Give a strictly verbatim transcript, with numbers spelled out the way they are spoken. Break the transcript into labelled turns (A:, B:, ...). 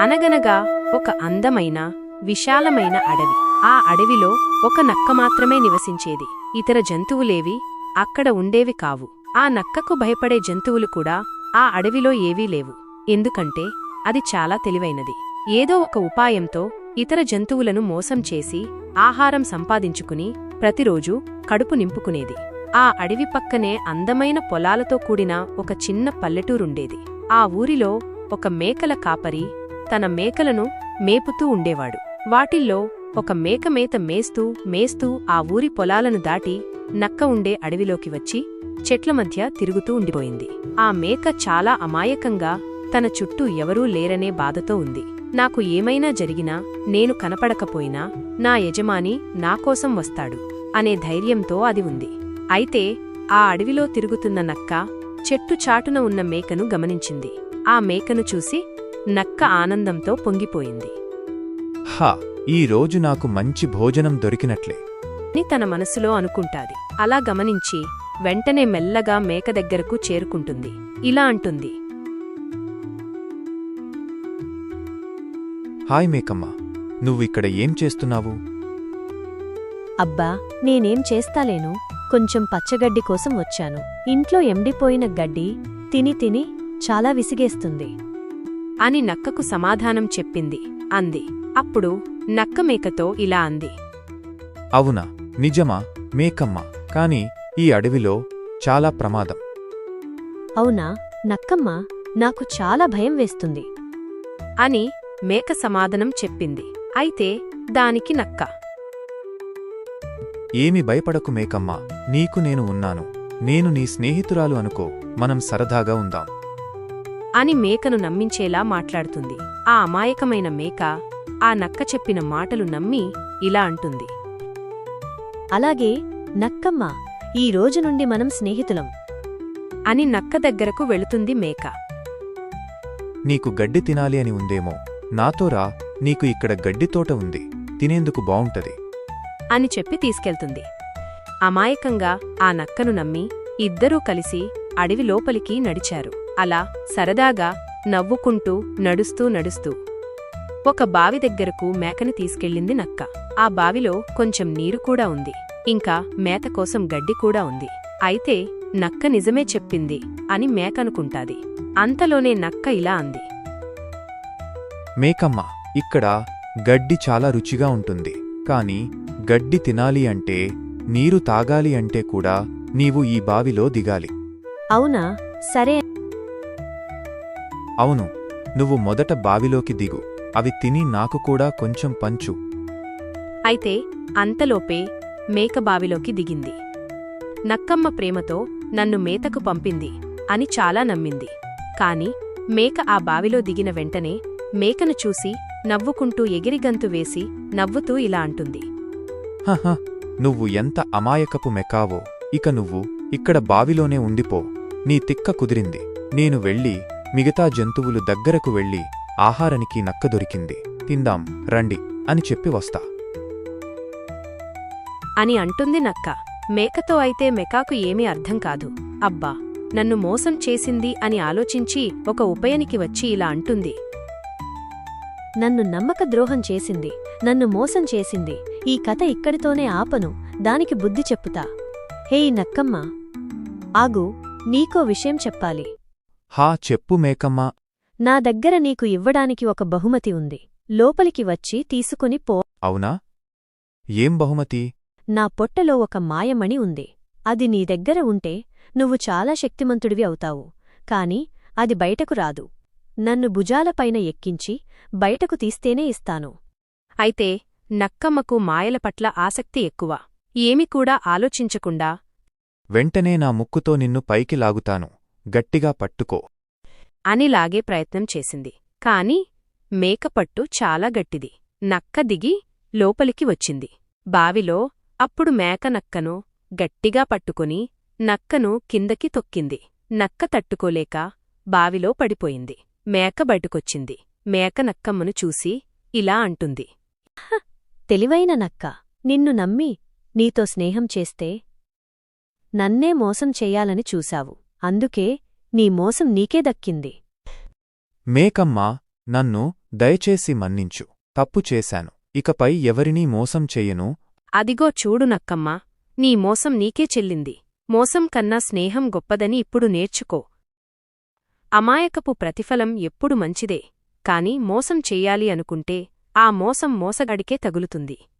A: అనగనగా ఒక అందమైన విశాలమైన అడవి. ఆ అడవిలో ఒక నక్క మాత్రమే నివసించేది. ఇతర జంతువులేవి అక్కడ ఉండేవి కావు. ఆ నక్కకు భయపడే జంతువులు కూడా ఆ అడవిలో ఏవీ లేవు. ఎందుకంటే అది చాలా తెలివైనది. ఏదో ఒక ఉపాయంతో ఇతర జంతువులను మోసం చేసి ఆహారం సంపాదించుకుని ప్రతిరోజూ కడుపు నింపుకునేది. ఆ అడవి పక్కనే అందమైన పొలాలతో కూడిన ఒక చిన్న పల్లెటూరుండేది. ఆ ఊరిలో ఒక మేకల కాపరి తన మేకలను మేపుతూ ఉండేవాడు. వాటిల్లో ఒక మేక మేత మేస్తూ మేస్తూ ఆ ఊరి పొలాలను దాటి నక్క ఉండే అడవిలోకి వచ్చి చెట్ల మధ్య తిరుగుతూ ఉండిపోయింది. ఆ మేక చాలా అమాయకంగా తన చుట్టూ ఎవరూ లేరనే బాధతో ఉంది. నాకు ఏమైనా జరిగినా, నేను కనపడకపోయినా నా యజమాని నాకోసం వస్తాడు అనే ధైర్యంతో అది ఉంది. అయితే ఆ అడవిలో తిరుగుతున్న నక్క చెట్టు చాటున ఉన్న మేకను గమనించింది. ఆ మేకను చూసి నక్క ఆనందంతో పొంగిపోయింది.
B: హా, ఈ రోజు నాకు మంచి భోజనం దొరికినట్లే
A: అని తన మనసులో అనుకుంటాది. అలా గమనించి వెంటనే మెల్లగా మేక దగ్గరకు చేరుకుంటుంది. ఇలా అంటుంది,
B: హాయ్ మేకమ్మ, నువ్విక్కడ ఏం చేస్తున్నావు?
C: అబ్బా, నేనేం చేస్తాలేను, కొంచెం పచ్చగడ్డి కోసం వచ్చాను. ఇంట్లో ఎండిపోయిన గడ్డి తిని తిని చాలా విసిగేస్తుంది
A: అని నక్కకు సమాధానం చెప్పింది. అంది. అప్పుడు నక్క మేకతో ఇలా అంది,
B: అవునా, నిజమా మేకమ్మ? కాని ఈ అడవిలో చాలా ప్రమాదం.
C: అవునా నక్కమ్మ, నాకు చాలా భయం వేస్తుంది
A: అని మేక సమాధానం చెప్పింది. అయితే దానికి నక్క,
B: ఏమి భయపడకు మేకమ్మ, నీకు నేను ఉన్నాను. నేను నీ స్నేహితురాలు అనుకో, మనం సరదాగా ఉందాం
A: అని మేకను నమ్మించేలా మాట్లాడుతుంది. ఆ అమాయకమైన మేక ఆ నక్క చెప్పిన మాటలు నమ్మి ఇలా అంటుంది,
C: అలాగే నక్కమ్మ, ఈ రోజు నుండి మనం స్నేహితులం
A: అని నక్క దగ్గరకు వెళుతుంది మేక.
B: నీకు గడ్డి తినాలి అని ఉందేమో, నాతో రా, నీకు ఇక్కడ గడ్డితోట ఉంది, తినేందుకు బావుంటది
A: అని చెప్పి తీసుకెళ్తుంది. అమాయకంగా ఆ నక్కను నమ్మి ఇద్దరూ కలిసి అడవి లోపలికి నడిచారు. అలా సరదాగా నవ్వుకుంటూ నడుస్తూ నడుస్తూ ఒక బావి దగ్గరకు మేకని తీసుకెళ్ళింది నక్క. ఆ బావిలో కొంచెం నీరు కూడా ఉంది, ఇంకా మేత కోసం గడ్డి కూడా ఉంది. అయితే నక్క నిజమే చెప్పింది అని మేకనుకుంటాది. అంతలోనే నక్క ఇలా అంది,
B: మేకమ్మ, ఇక్కడ గడ్డి చాలా రుచిగా ఉంటుంది. కాని గడ్డి తినాలి అంటే, నీరు తాగాలి అంటే కూడా నీవు ఈ బావిలో దిగాలి.
C: అవునా, సరే.
B: అవును, నువ్వు మొదట బావిలోకి దిగు, అవి తిని నాకు కూడా కొంచెం పంచు.
A: అయితే అంతలోపే మేక బావిలోకి దిగింది. నక్కమ్మ ప్రేమతో నన్ను మేతకు పంపింది అని చాలా నమ్మింది. కాని మేక ఆ బావిలో దిగిన వెంటనే మేకను చూసి నవ్వుకుంటూ ఎగిరిగంతు వేసి నవ్వుతూ ఇలా అంటుంది,
B: హహ, నువ్వు ఎంత అమాయకపు మెకావో. ఇక నువ్వు ఇక్కడ బావిలోనే ఉండిపో. నీ తిక్క కుదిరింది. నేను వెళ్ళి మిగతా జంతువులు దగ్గరకు వెళ్ళి ఆహారానికి నక్క దొరికింది, తిందాం రండి అని చెప్పి వస్తా
A: అని అంటుంది నక్క. మేకతో అయితే మెకాకు ఏమీ అర్థం కాదు. అబ్బా, నన్ను మోసం చేసింది అని ఆలోచించి ఒక ఉపయానికి వచ్చి ఇలా అంటుంది,
C: నన్ను నమ్మక ద్రోహం చేసింది, నన్ను మోసం చేసింది. ఈ కథ ఇక్కడితోనే ఆపను, దానికి బుద్ధి చెప్పుతా. హేయ్ నక్కమ్మ, ఆగు, నీకో విషయం చెప్పాలి.
B: హా, చెప్పు మేకమ్మా.
C: నా దగ్గర నీకు ఇవ్వడానికి ఒక బహుమతి ఉంది. లోపలికి వచ్చి తీసుకుని పో.
B: అవునా? ఏం బహుమతి?
C: నా పొట్టలో ఒక మాయమణి ఉంది. అది నీ దగ్గర ఉంటే నువ్వు చాలా శక్తిమంతుడివి అవుతావు. కాని అది బయటకు రాదు. నన్ను భుజాలపైన ఎక్కించి బయటకు తీస్తేనే ఇస్తాను.
A: అయితే నక్కమ్మకు మాయల పట్ల ఆసక్తి ఎక్కువ. ఏమి కూడా ఆలోచించకుండా,
B: వెంటనే నా ముక్కుతో నిన్ను పైకి లాగుతాను, గట్టిగా పట్టుకో
A: అని లాగే ప్రయత్నం చేసింది. కాని మేకపట్టు చాలా గట్టిది. నక్క దిగి లోపలికి వచ్చింది. బావిలో అప్పుడు మేక నక్కను గట్టిగా పట్టుకుని నక్కను కిందకి తొక్కింది. నక్క తట్టుకోలేక బావిలో పడిపోయింది. మేక బయటకొచ్చింది. మేక నక్కమ్మను చూసి ఇలా అంటుంది,
C: తెలివైన నక్క, నిన్ను నమ్మి నీతో స్నేహం చేస్తే నన్నే మోసం చెయ్యాలని చూశావు. అందుకే నీ మోసం నీకే దక్కింది.
B: మేకమ్మ, నన్ను దయచేసి మన్నించు. తప్పు చేశాను. ఇకపై ఎవరినీ మోసం చెయ్యను.
A: అదిగో చూడు నక్కమ్మా, నీ మోసం నీకే చెల్లింది. మోసం కన్నా స్నేహం గొప్పదని ఇప్పుడు నేర్చుకో. అమాయకపు ప్రతిఫలం ఎప్పుడు మంచిదే, కాని మోసం చెయ్యాలి అనుకుంటే ఆ మోసం మోసగాడికే తగులుతుంది.